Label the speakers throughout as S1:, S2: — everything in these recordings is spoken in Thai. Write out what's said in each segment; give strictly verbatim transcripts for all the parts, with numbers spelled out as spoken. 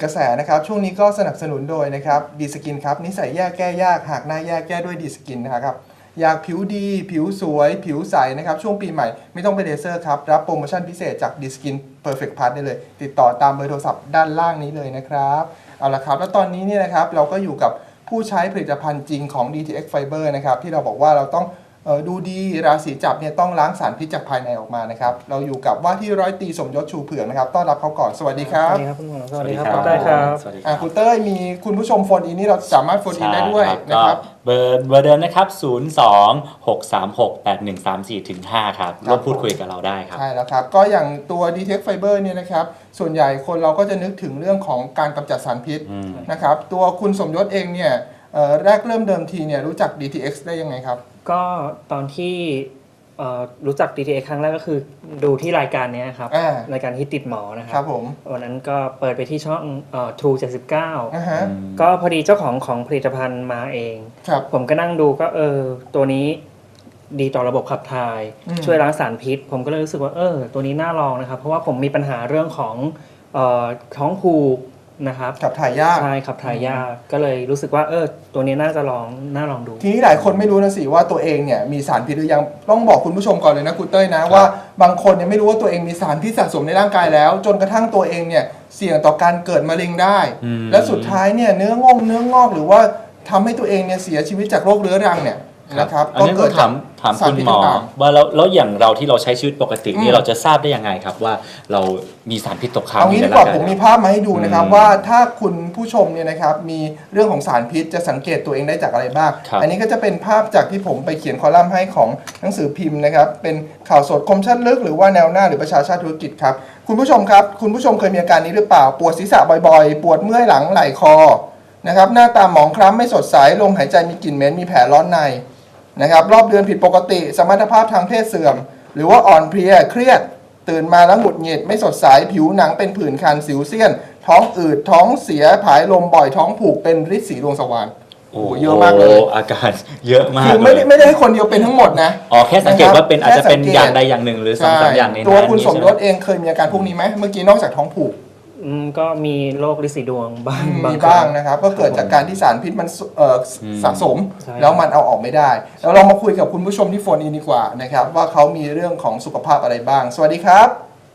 S1: กระแสนะครับช่วงนี้ก็สนับสนุนโดยนะครับดีสกินครับนิสัยแย่แก้ยากหากหน้าแย่แก้ด้วยดีสกินนะครับอยากผิวดีผิวสวยผิวใสนะครับช่วงปีใหม่ไม่ต้องไปเลเซอร์ครับรับโปรโมชั่นพิเศษจากดีสกิน Perfect Plus ได้เลยติดต่อตามเบอร์โทรศัพท์ด้านล่างนี้เลยนะครับเอาละครับแล้วตอนนี้เนี่ยนะครับเราก็อยู่กับผู้ใช้ผลิตภัณฑ์จริงของ ดี ที เอ็กซ์ Fiber นะครับที่เราบอกว่าเราต้องเอ่อดูดีราศีจับเนี่ยต้องล้างสารพิษจากภายในออกมานะครับเราอยู่กับว่าที่ร้อยตรีสมยศชูเผือกนะครับต้อนรับเขาก่อนสวัสดีครับ
S2: สวัสดีครับคุณหมอสวัสดีครับ
S3: สวั
S2: คุ
S3: ส
S2: ณ
S3: ดี
S2: เต้ย
S3: ค
S2: ค
S3: รั
S2: รั
S3: บบ สวัสดีค
S1: อ่า
S3: รับ
S1: คุณเต้ยมีคุณผู้ชมโฟนอินนี่เราสามารถโฟนอินได้ด้วย
S3: ใช่
S1: นะครับ
S3: เบอร์เบอร์เดิมนะครับศูนย์ สอง หก สาม หก แปด หนึ่ง สาม สี่ ถึง ห้าครับร่วมพูดคุยกับเราได้ครับ
S1: ใช่แล้วครับก็อย่างตัว ดี ที เอ็กซ์ Fiber เนี่ยนะครับส่วนใหญ่คนเราก็จะนึกถึงเรื่องของการกำจัดสารพิษ
S3: อืม
S1: นะครับตัวคุณสมยศเองเนี่ยเอ่อแรกเริ่มเดิมทีเนี่ยรู้จัก ดี ที เอ็กซ์ ได้ยังไงครับ
S2: ก็ตอนที่เอ่อรู้จัก ดี ที เอ็กซ์ ครั้งแรกก็คือดูที่รายการเนี้ยครับ
S1: อ่าร
S2: ายการฮิตติดหมอนะค
S1: ค
S2: รั
S1: รั
S2: บบ
S1: ผม
S2: วันนั้นก็เปิดไปที่ช่องเอ่อ True เจ็ดสิบเก้า
S1: นะฮะ
S2: ก็พอดีเจ้าของของผลิตภัณฑ์มาเอง
S1: ครับ
S2: ผมก็นั่งดูก็เออตัวนี้ดีต่อระบบขับถ่าย
S1: อืม
S2: ช่วยล้างสารพิษ ผมก็เลยรู้สึกว่าเออตัวนี้น่าลองนะครับ เพราะว่าผมมีปัญหาเรื่องของเอ่อท้องผูกนะครับ
S1: ขับถ่ายยาก
S2: ใช่ขับถ่ายยากก็เลยรู้สึกว่าเออตัวนี้น่าจะลองน่าลองดู
S1: ทีนี้หลายคนไม่รู้นะสิว่าตัวเองเนี่ยมีสารพิษหรือยังต้องบอกคุณผู้ชมก่อนเลยนะคุณเต้ยนะว่าบางคนเนี่ยไม่รู้ว่าตัวเองมีสารพิษสะสมในร่างกายแล้ว จนกระทั่งตัวเองเนี่ยเสี่ยงต่อการเกิดมะเร็งได้
S3: อืม
S1: และสุดท้ายเนี่ยเนื้องอกเนื้องอกหรือว่าทำให้ตัวเองเนี่ยเสียชีวิตจากโรคเรื้อรังเนี่ยนะครับ
S3: อันนี้ก็ถามถาม
S1: สาร
S3: คุณ
S1: พิษ
S3: หมอ
S1: ต่าง
S3: ว่าแล้วแล้วอย่างเราที่เราใช้ชีวิตปกติ
S1: อื
S3: นี่
S1: ม
S3: เราจะทราบได้ยังไงครับว่าเรามีสารพิษตก
S1: ๆ
S3: ค้าง
S1: เอางี้
S3: ใน
S1: ดีกว่า
S3: ร่ง
S1: ผมมีภาพมาให้ดูนะครับ
S3: อืม
S1: ว่าถ้าคุณผู้ชมเนี่ยนะครับมีเรื่องของสารพิษจะสังเกตตัวเองได้จากอะไรบ้าง
S3: ครับ
S1: อันนี้ก็จะเป็นภาพจากที่ผมไปเขียนคอลัมน์ให้ของหนังสือพิมพ์นะครับเป็นข่าวสดคมชัดลึกหรือว่าแนวหน้าหรือประชาชาติธุรกิจครับคุณผู้ชมครับคุณผู้ชมเคยมีอาการนี้หรือเปล่าปวดศีรษะบ่อยๆ ปวดเมื่อยหลังไหล่คอนะครับหน้าตาหมองคล้ำไม่สดใสลมหายใจมีกลิ่นเหม็นมีแผลร้อนในนะครับรอบเดือนผิดปกติสมรรถภาพทางเพศเสื่อม หรือว่าอ่อนเพลียเครียดตื่นมาแล้วหงุดหงิดไม่สดใสผิวหนังเป็นผื่นคันสิวเซียน ท้องอืดท้องเสียผายลมบ่อยท้องผูกเป็นฤทธิ์สีดวงสว่านโอ้โหเยอะมากเลย
S3: โอาการเยอะมาก
S1: คือไม่ได้
S3: เลย
S1: ไม่ได้ให้คนเดียวเป็นทั้งหมดนะ
S3: อ๋อแค่สังเกตว่าเป็นอาจจะเป็น
S1: แค่สังเกต
S3: อย่างใดอย่างหนึ่งหรือสองสามอย่างในนั้น
S1: ตัวคุณสมยศ
S3: ใช่ไห
S1: เองเคยมีอาการพวกนี้ไหมเมื่อกี้นอกจากท้องผูก
S2: อืมก็มีโรคลินสีดวงบ้าง
S1: มี
S2: ครั้
S1: บ้างนะครับก็เกิดจากการที่สารพิษมันเอ่ออ
S3: ม
S1: สะสม
S2: ใช่
S1: แล้วมันเอาออกไม่ได้แล้วเรามาคุยกับคุณผู้ชมที่โฟนอินดีกว่านะครับว่าเขามีเรื่องของสุขภาพอะไรบ้าง สวัสดีครับ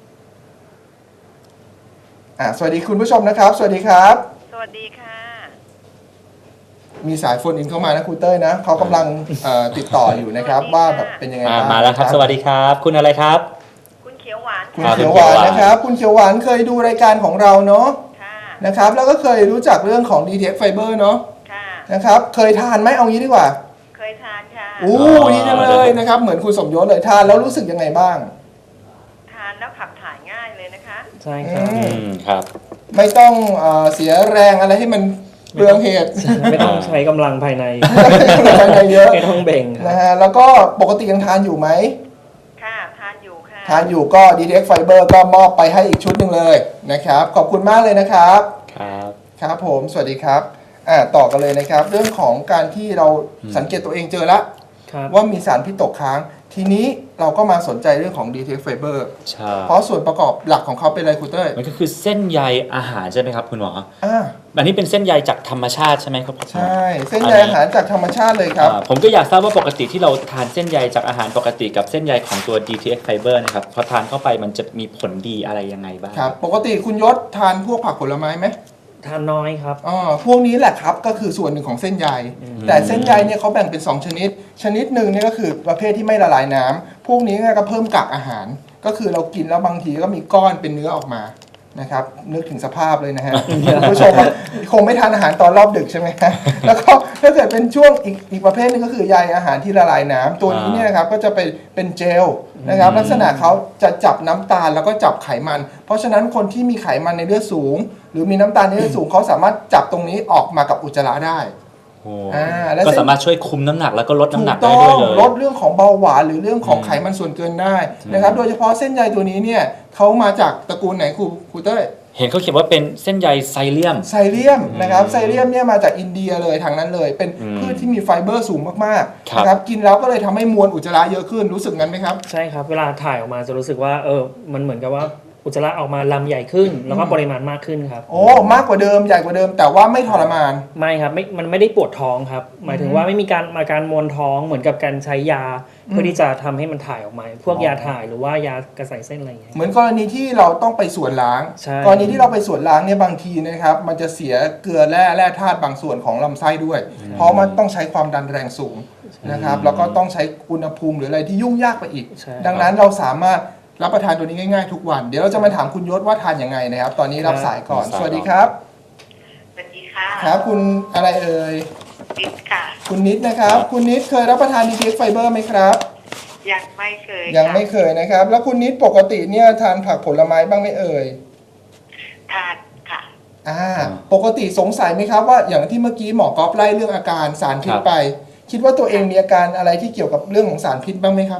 S1: อ่าสวัสดีคุณผู้ชมนะครับ สวัสดีครับ
S4: สวัสดีค่ะ
S1: มีสายโฟนอินเข้ามานะคุณเต้ยนะเขากำลังเอ่อติดต่ออยู่นะครับ
S4: สวัสดีค่ะ
S1: ว่าแบบเป็นยังไง
S3: อ่า
S1: บ้าง
S3: มาแล้วครับ สวัสดีครับ คุณอะไรครับ
S4: คุณเขียวหวาน
S1: คุณ
S4: ค่ะ
S1: เขียวหวานนะครับ คุณเขียวหวานเคยดูรายการของเราเนาะ
S4: ค่ะ
S1: นะครับแล้วก็เคยรู้จักเรื่องของ ดี ที เอ็กซ์ Fiber เนาะ
S4: ค่ะ
S1: นะครับเคยทานไหมเอางี้ดีกว่า
S4: เคยทานค่ะ
S1: อู้ดีจังเลยนะครับเหมือนคุณสมยศเลยทานแล้วรู้สึกยังไงบ้าง
S4: ทานแล้วขับถ่ายง่ายเลยนะคะ
S2: ใช่ครับ
S1: อื
S3: อืมครับ
S1: ไม่ต้องเอ่อเสียแรงอะไรให้มันเปลืองเหตุ
S2: ไม่ต้องใช้กำลังภายใน
S1: อะไรเยอะ
S2: ไม่ต้องเบ่งค
S1: นะ
S2: รับ
S1: ฮะแล้วก็ปกติยังทานอยู่ไหม
S4: ค่ะ ทานอยู่ค่ะ
S1: ทานอยู่ก็ ดี ที เอ็กซ์ Fiber ก็มอบไปให้อีกชุดหนึ่งเลยนะครับขอบคุณมากเลยนะครับ
S3: ครับ
S1: ครับผมสวัสดีครับอ่าต่อกันเลยนะครับ เรื่องของการที่เราสังเกตตัวเองเจอละ
S2: ครับ
S1: ว่ามีสารพิษตกค้าง ทีนี้เราก็มาสนใจเรื่องของ ดี ที เอ็กซ์ Fiber
S3: ใช่
S1: เพราะส่วนประกอบหลักของเขาเป็นอะไรคุณเต้ย
S3: มันก็คือเส้นใยอาหารใช่ไหมครับคุณหมอ
S1: อ่า
S3: อันนี้เป็นเส้นใยจากธรรมชาติใช่ไหมครับ
S1: ใช่ เส้นใยอาหารจากธรรมชาติเลยครับ
S3: อ่าผมก็อยากทราบว่าปกติที่เราทานเส้นใยจากอาหารปกติกับเส้นใยของตัว ดี ที เอ็กซ์ Fiber นะครับพอทานเข้าไปมันจะมีผลดีอะไรยังไงบ้าง
S1: ครับ ปกติคุณยศทานพวกผักผลไม้ไหม
S2: ทานน้อยครับ
S1: อ๋อพวกนี้แหละครับก็คือส่วนหนึ่งของเส้นใย แต่เส้นใยเนี่ยเขาแบ่งเป็นสองชนิด ชนิดหนึ่งเนี่ยก็คือประเภทที่ไม่ละลายน้ำพวกนี้เนี่ยก็เพิ่มกากอาหาร ก็คือเรากินแล้วบางทีก็มีก้อนเป็นเนื้อออกมานะครับนึกถึงสภาพเลยนะฮะ คุณผู้ชมว่าคงไม่ทานอาหารตอนรอบดึกใช่ไหมฮะแล้วก็ถ้าเกิดเป็นช่วงอีกอีกประเภทหนึงก็คือใยอาหารที่ละลายน้ำตัวนี้เนี่ยนะครับก็จะเป็นเป็นเจลนะครับลักษณะเขาจะจับน้ำตาลแล้วก็จับไขมัน เพราะฉะนั้นคนที่มีไขมันในเลือดสูง หรือมีน้ำตาลในเลือดสูงเขาสามารถจับตรงนี้ออกมากับอุจจาระได้
S3: โอ้
S1: อ่าแล้ว
S3: ก็สามารถช่วยคุมน้ำหนักแล้วก็ลดน้ำหนัก
S1: ถู
S3: ได้
S1: ต้
S3: ด้วย
S1: อง
S3: เลย
S1: ลดเรื่องของเบาหวานหรือเรื่องของ
S3: อืม
S1: ไขมันส่วนเกินได้นะครับโดยเฉพาะเส้นใยตัวนี้เนี่ยเขามาจากตระกูลไหนครูครูเต้ย
S3: เห็นเขาเขียนว่าเป็นเส้นใยไซเลียม
S1: ไซเลียมนะครับไซเลียมเนี่ยมาจากอินเดียเลยทางนั้นเลย เป็น
S3: อืม
S1: พืชที่มีไฟเบอร์สูงมาก
S3: ค
S1: ๆ
S3: รับ
S1: นะครับกินแล้วก็เลยทำให้มวลอุจจาระเยอะขึ้นรู้สึกงั้นไหมครับ
S2: ใช่ครับ เวลาถ่ายออกมาจะรู้สึกว่าเออมันเหมือนกับว่าอุจจาระออกมาลำใหญ่ขึ้น แล้วก็ปริมาณมากขึ้นครับ
S1: โอ้มากกว่าเดิมใหญ่กว่าเดิม แต่ว่าไม่ทรมาน
S2: ไม่ครับไม่มันไม่ได้ปวดท้องครับ หมายถึงว่าไม่มีการอาการมวนท้องเหมือนกับการใช้ยา เพื่อที่จะทำให้มันถ่ายออกมา พวกยาถ่ายหรือว่ายากระใสเส้นอะไรอย่างเงี้ย
S1: เหมือนกรณีที่เราต้องไปส่วนล้าง
S2: ใช่
S1: กรณีที่เราไปส่วนล้างเนี่ยบางทีนะครับมันจะเสียเกลือแร่แร่ธาตุบางส่วนของลำไส้ด้วย เพราะมันต้องใช้ความดันแรงสูงนะครับแล้วก็ต้องใช้อุณหภูมิหรืออะไรที่ยุ่งยากไปอีก
S2: ใช่
S1: ดังนั้นเราสามารถรับประทานตัวนี้ง่ายๆทุกวัน เดี๋ยวเราจะมาถามคุณยศว่าทานยังไงนะครับ ตอนนี้รับสายก่อน สวัสดีครับ
S4: สวัสดีค่ะ
S1: ครับคุณอะไรเอ่ย
S4: ปิดค่ะ
S1: คุณนิดนะครับ คุณนิดเคยรับประทาน ดี ที เอ็กซ์ Fiber ไหมครับ
S4: ยังไม่เคย
S1: ยังไม่
S4: ค่ะ
S1: เคยนะครับ แล้วคุณนิดปกติเนี่ยทานผักผลไม้บ้างไหมเอ่ย
S4: ทานค่ะ
S1: อ่าปกติสงสัยไหมครับว่าอย่างที่เมื่อกี้หมอกอฟไล่เรื่องอาการสารพิษไป คิดว่าตัวเองมีอาการอะไรที่เกี่ยวกับเรื่องของสารพิษบ้างไหมครับ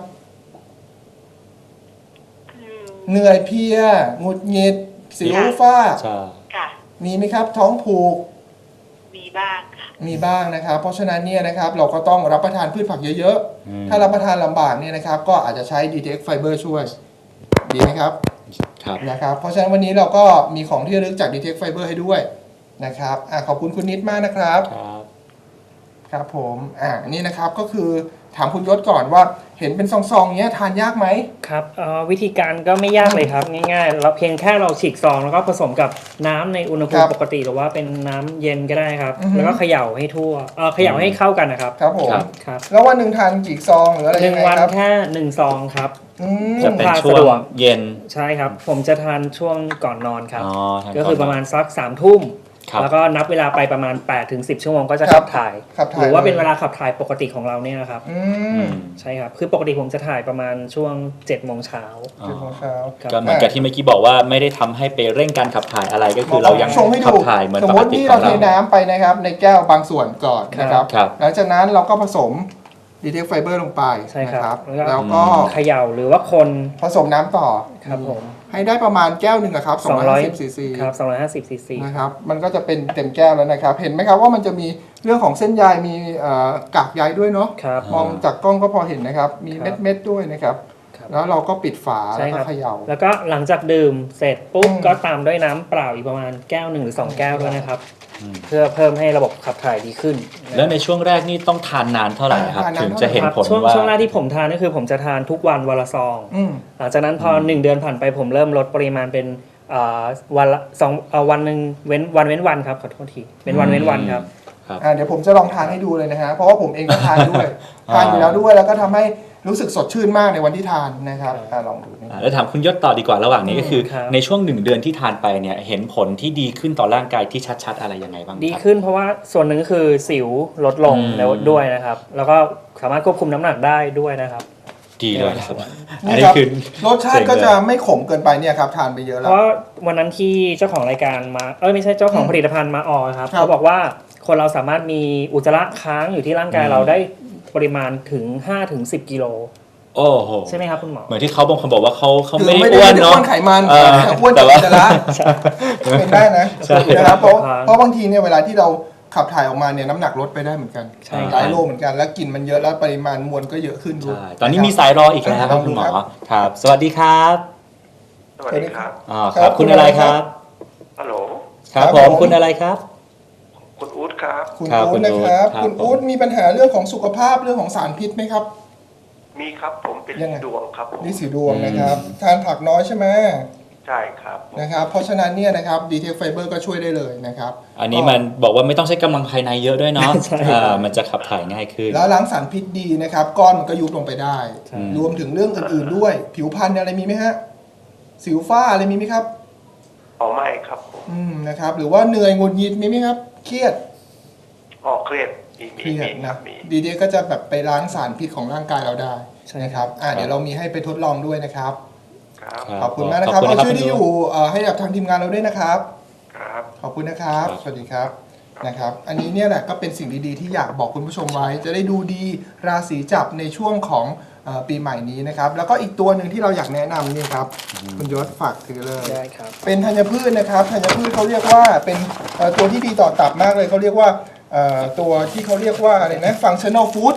S4: อืม
S1: เหนื่อยเพลียหงุดหงิดสิว
S4: ค่ะ
S1: ฝ้า
S3: ใช่
S4: ค่ะ
S1: มีไหมครับ ท้องผูก
S4: มีบ้างค่ะ
S1: มีบ้างนะครับ เพราะฉะนั้นเนี่ยนะครับเราก็ต้องรับประทานพืชผักเยอะ
S3: อืม
S1: ๆ ถ้ารับประทานลำบากเนี่ยนะครับก็อาจจะใช้ ดี ที เอ็กซ์ Fiber ช่วย ดีไหมครับ
S3: ครับ
S1: นะครับ เพราะฉะนั้นวันนี้เราก็มีของที่ระลึกจาก ดี ที เอ็กซ์ Fiber ให้ด้วยนะครับอ่ะขอบคุณคุณนิดมากนะครับ
S3: ครับ
S1: ครับผมอ่านี่นะครับก็คือถามคุณยศก่อนว่าเห็นเป็นซองๆเนี้ยทานยากไหม
S2: ครับเอ่อวิธีการก็ไม่ยากเลยครับ ง่ายๆ เราเพียงแค่เราฉีกซองแล้วก็ผสมกับน้ำในอุณหภู
S1: ครั
S2: มิ
S1: บ
S2: ปกติหรือว่าเป็นน้ำเย็นก็ได้ครับ
S1: อือฮึ
S2: แล้วก็เขย่าให้ทั่วเออเขย่าให้เข้ากันนะครับ
S1: ครับผม
S3: ครับ
S2: ครับ
S1: แล้ววันหนึ่งทานกี่ซองหรืออะไร
S2: ห
S1: ยั
S2: นึ่
S1: ง
S2: ง
S1: ไง
S2: วัน
S1: ครับ
S2: แค่หนึ่งซองครับ
S1: อืม
S3: จะเป็น
S2: พา
S3: ช่ว
S2: สะด
S3: ง
S2: วก
S3: เย็น
S2: ใช่ครับ ผมจะทานช่วงก่อนนอนครับ
S3: อ๋อทน
S2: ก็คือประมาณ
S3: น
S2: สักสามทุ่ม
S3: ครับ
S2: แล้วก็นับเวลาไปประมาณแปดถึงสิบชั่วโมงก็จะ
S1: ครั
S2: ขั
S1: บ
S2: บถ่าย
S1: ขับถ่าย
S2: หรือว่าเป็น
S1: เลย
S2: เวลาขับถ่ายปกติของเราเนี่ยนะครับ
S1: อื
S3: อื
S1: ม
S3: ม
S2: ใช่ครับ คือปกติผมจะถ่ายประมาณช่วงเจ็ดโมงเช้า
S3: อ๋อ
S1: เจ็ดโมงเช้า
S2: ครับ
S3: ก็เหมือนกับที่เมื่อกี้บอกว่าไม่ได้ทำให้ไปเร่งการขับถ่ายอะไรก็คือเรายัง
S1: ชงให้
S3: ขั
S1: ดู
S3: บถ่ายเหมือน
S1: สม
S3: ป
S1: ม
S3: ก
S1: ติ
S3: ติ
S1: ที่
S3: ขอ
S1: เรา
S3: ง
S1: เท
S3: เรา
S1: น้ำไปนะครับในแก้วบางส่วนก่อนนะครับ
S3: ครับ
S1: หลังจากนั้นเราก็ผสม ดี ที เอ็กซ์ Fiber ลงไป
S2: ใช่
S1: นะครับ
S2: แล้วก็
S1: แล้วก็
S2: เขย่าหรือว่าคน
S1: ผสมน้ำต่อ
S2: ครับผม
S1: ให้ได้ประมาณแก้วหนึ่งอะครับสองร้อยห้าสิบซีซี
S2: ครับสองร้อยห้าสิบซีซี
S1: นะครับมันก็จะเป็นเต็มแก้วแล้วนะครับ เห็นไหมครับว่ามันจะมีเรื่องของเส้นใยมีเอ่อกากใยด้วยเนาะ
S2: ครับ
S1: มองจากกล้องก็พอเห็นนะครับ มี
S2: ครับ
S1: เม็ดๆด้วยนะครับ
S2: ครับ
S1: แล้วเราก็ปิดฝา
S2: ใช่
S1: แล้ว
S2: ค
S1: ก็
S2: รับ
S1: เขย่า
S2: แล้วก็หลังจากดื่มเสร็จปุ๊บ
S1: อืม
S2: ก็ตามด้วยน้ำเปล่าอีกประมาณแก้วหนึ่งหรือสองแก้วด้วยนะครับ
S3: อืม
S2: เพื่อเพิ่มให้ระบบขับถ่ายดีขึ้นนะ
S3: แล้วในช่วงแรกนี่ต้องทานนานเท่าไหร่ครับ
S1: ทานนาน
S3: ถึงจะเห็น
S2: ครับ
S3: ผล
S2: ช่วง
S3: ว่า
S2: ช่วงแรกที่ผมทานก็คือผมจะทานทุกวันวันละซอง
S1: อืม
S2: หลังจากนั้นพอหนึ่งเดือนผ่านไปผมเริ่มลดปริมาณเป็นเอ่อวันละสองเอ่อวันหนึ่งเว้นวันเว้นวันครับขอโทษทีเป็นวันเว้นวันครับ
S1: อ่าเดี๋ยวผมจะลองทานให้ดูเลยนะฮะเพราะว่าผมเองก็ทานด้วย
S3: อ่า
S1: ทานอยู่แล้วด้วยแล้วก็ทำให้รู้สึกสดชื่นมากในวันที่ทานนะครับ
S2: ครับ
S1: อ่าลองดูนะ
S3: อ่าแล้วถามคุณยศต่อดีกว่าระหว่างนี้ก็คือ
S2: ครับ
S3: ในช่วงหนึ่งเดือนที่ทานไปเนี่ยเห็นผลที่ดีขึ้นต่อร่างกายที่ชัดๆอะไรยังไงบ้างครับ
S2: ดีขึ้นเพราะว่าส่วนหนึ่งก็คือสิวลดลง
S3: อืม
S2: แล้วด้วยนะครับ แล้วก็สามารถควบคุมน้ำหนักได้ด้วยนะครับ
S3: ดีเลยครับอัน
S1: นี่
S3: นี้
S1: ครับ
S3: คือ
S1: รสชาติก็จะไม่ขมเกินไปเนี่ยครับทานไปเยอะ
S2: เพ
S1: แล้ว
S2: ราะวันนั้นที่เจ้าของรายการมาเอ้ยไม่ใช่เจ้าของผลิตภัณฑ์มาออกครับ
S1: ครับ
S2: เขาบอกว่าคนเราสามารถมีอุจจาระค้างอยู่ที่ร่างกาย
S3: อืม
S2: เราได้ปริมาณถึง ห้าถึงสิบ กิโล
S3: โอ้โห
S2: ใช่ไหมครับคุณหมอ
S3: เหมือนที่เขาบางคนบอกว่าเขาเขา
S1: คือ
S3: ไม่
S1: ไม่
S3: ได้
S1: ได้
S3: อ้วน
S1: ไม่ได้
S3: เนาะ
S1: อ้วนไขมัน
S3: เออ
S1: แต่อ้วน
S3: แต่
S1: จาก
S3: ว่า
S1: อุจจาระเป็นได้นะ
S3: ใช่
S1: นะครับเพราะ
S2: ครับ
S1: เพราะบางทีเนี่ยเวลาที่เราขับถ่ายออกมาเนี่ยน้ำหนักลดไปได้เหมือนกัน
S2: ใช่
S1: หลายโลเหมือนกันแล้วกลิ่นมันเยอะแล้วปริมาณมวลก็เยอะขึ้นด้วย
S3: ใช่ตอนนี้มีสายรออีกแล้วครับคุณหมอครับ สวัสดีครับ
S5: สวัสดีครับ
S3: อ๋อครับคุณอะไรครับ
S5: ฮัลโหล
S3: ครับผมคุณอะไรครับ
S5: คุณอู๊ดครับ
S1: คุณ
S3: ครับ
S1: อู๊
S3: คุ
S1: ด
S3: ณ
S1: นะครับ
S3: อู๊ดครับ
S1: คุณอู๊ดมีปัญหาเรื่องของสุขภาพเรื่องของสารพิษไหมครับ
S5: มีครับผมเป็น
S1: ยังไง
S5: ดวงครับผม
S1: นี่สีดวงนะครับ ทานผักน้อยใช่ไหม
S5: ใช่ครับ
S1: นะครับ เพราะฉะนั้นเนี่ยนะครับ ดี ที เอ็กซ์ Fiber ก็ช่วยได้เลยนะครับ
S3: อันนี้มันบอกว่าไม่ต้องใช้กำลังภายในเยอะด้วยเนาะ
S2: ใช่
S3: อ่ามันจะขับถ่ายง่ายขึ้น
S1: แล้วล้างสารพิษดีนะครับ ก้อนมันก็ยุบลงไปได้
S2: ใช่
S1: รวมถึงเรื่องอื่นๆด้วย ผิวพรรณอะไรมีไหมฮะสิวฝ้าอะไรมีไหมครับ
S5: อ๋อไม่ครับผม
S1: อืมนะครับหรือว่าเหนื่อยหงุดหงิดมีไหมครับเครียด
S5: อ๋อเครียดมี
S1: เค
S5: มี
S1: รียด
S5: มีค
S1: นะ
S5: รับมี
S1: ดีเดียก็จะแบบไปล้างสารพิษของร่างกายเราได้
S2: ใช่
S1: นะครับอ่าเดี๋ยวเรามีให้ไปทดลองด้วยนะครับ
S5: ครับ
S3: ครับ
S1: ขอบคุณมากนะครับ
S3: ขอบคุณ
S1: เอา
S3: นะครับ
S1: ชื่อที่อยู่เอ่อให้กับทางทีมงานเราด้วยนะครับ
S5: ครับ
S1: ขอบคุณนะครับ
S3: ครับ
S1: สวัสดีครับนะครับ อันนี้เนี่ยแหละก็เป็นสิ่งดีๆที่อยากบอกคุณผู้ชมไว้ จะได้ดูดีราศีจับในช่วงของเอ่อปีใหม่นี้นะครับแล้วก็อีกตัวหนึ่งที่เราอยากแนะนำนี่ครับคุณยศฝากถือเลย
S2: ได้ครับ
S1: เป็นธัญพืชนะครับธัญพืชเขาเรียกว่าเป็นเอ่อตัวที่ดีต่อตับมากเลยเขาเรียกว่าเอ่อตัวที่เขาเรียกว่าอะไรนะ functional food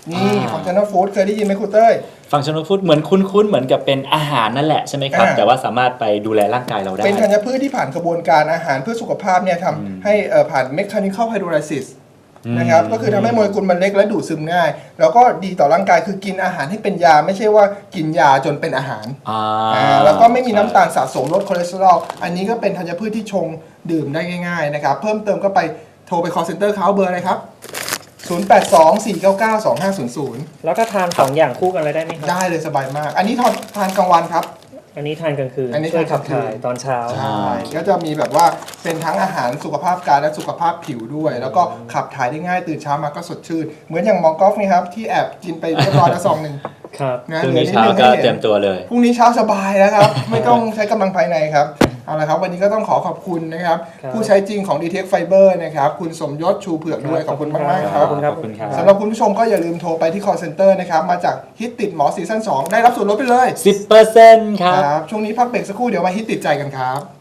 S1: นี่
S3: อ่า
S1: functional food เคยได้ยินไหมครูเต้ย
S3: ฟังชั่นอลฟู้ดเหมือนคุ้นๆเหมือนกับเป็นอาหารนั่นแหละใช่ไหมครับ
S1: อ่า
S3: แต่ว่าสามารถไปดูแลร่างกายเราได้
S1: เป็นธัญพืชที่ผ่านกระบวนการอาหารเพื่อสุขภาพเนี่ยทำให้เอ่อผ่าน mechanical hydrolysis นะครับก็คือทำให้โมเลกุลมันเล็กและดูดซึมง่าย แล้วก็ดีต่อร่างกายคือกินอาหารให้เป็นยาไม่ใช่ว่ากินยาจนเป็นอาหาร
S3: อ่า
S1: อ่าแล้วก็ไม่มีน้ำตาลสะสมลดคอเลสเตอรอลอันนี้ก็เป็นธัญพืชที่ชงดื่มได้ง่ายๆนะครับเพิ่มเติมก็ไปโทรไป call center เขาเบอร์อะไรครับ ศูนย์ แปด สอง สี่ เก้า เก้า สอง ห้า ศูนย์ ศูนย์
S2: แล้วถ้าทานสองอย่างคู่กันเลยได้ไหมครับ
S1: ได้เลยสบายมาก อันนี้ทานทานกลางวันครับ
S2: อันนี้ทานกลางคืน
S1: อันนี้
S2: ช่วยขับ
S1: ทานกลางคืน
S2: ถ่ายตอนเช้า
S1: ใช่ก็จะมีแบบว่าเป็นทั้งอาหารสุขภาพกายและสุขภาพผิวด้วย แล้วก็ขับถ่ายได้ง่ายตื่นเช้ามาก็สดชื่น เหมือนอย่างหมอกอล์ฟนี่ครับ ที่แอบกินไปเรียบร้อยแล้วซองหนึ่ง
S2: ครับ
S1: นะ
S3: พรุ่ง
S1: เหลือ
S3: นี้
S1: นิด
S3: เช้า
S1: นึง
S3: ก็
S1: ให้
S3: เตรี
S1: เห็
S3: ย
S1: น
S3: มตัวเลย
S1: พรุ่งนี้เช้าสบายแล้วครับ ไม่ต้องใช้กำลังภายในครับเอาละครับวันนี้ก็ต้องขอขอบคุณนะครับ
S2: ครับ
S1: ผู้ใช้จริงของ ดี ที เอ็กซ์ Fiber นะครับคุณสมยศชูเผือกด้วยขอบคุณมากๆครับ
S2: ขอบคุณครับ
S3: ขอบคุณครับ
S1: สำหรับคุณผู้ชมก็อย่าลืมโทรไปที่ call center นะครับมาจากฮิตติดหมอซีซั่นสองได้รับส่วนลดไปเลย
S3: สิบเปอร์เซ็นต์ครับ
S1: ครับช่วงนี้พักเบรกสักครู่เดี๋ยวมาฮิตติดใจกันครับ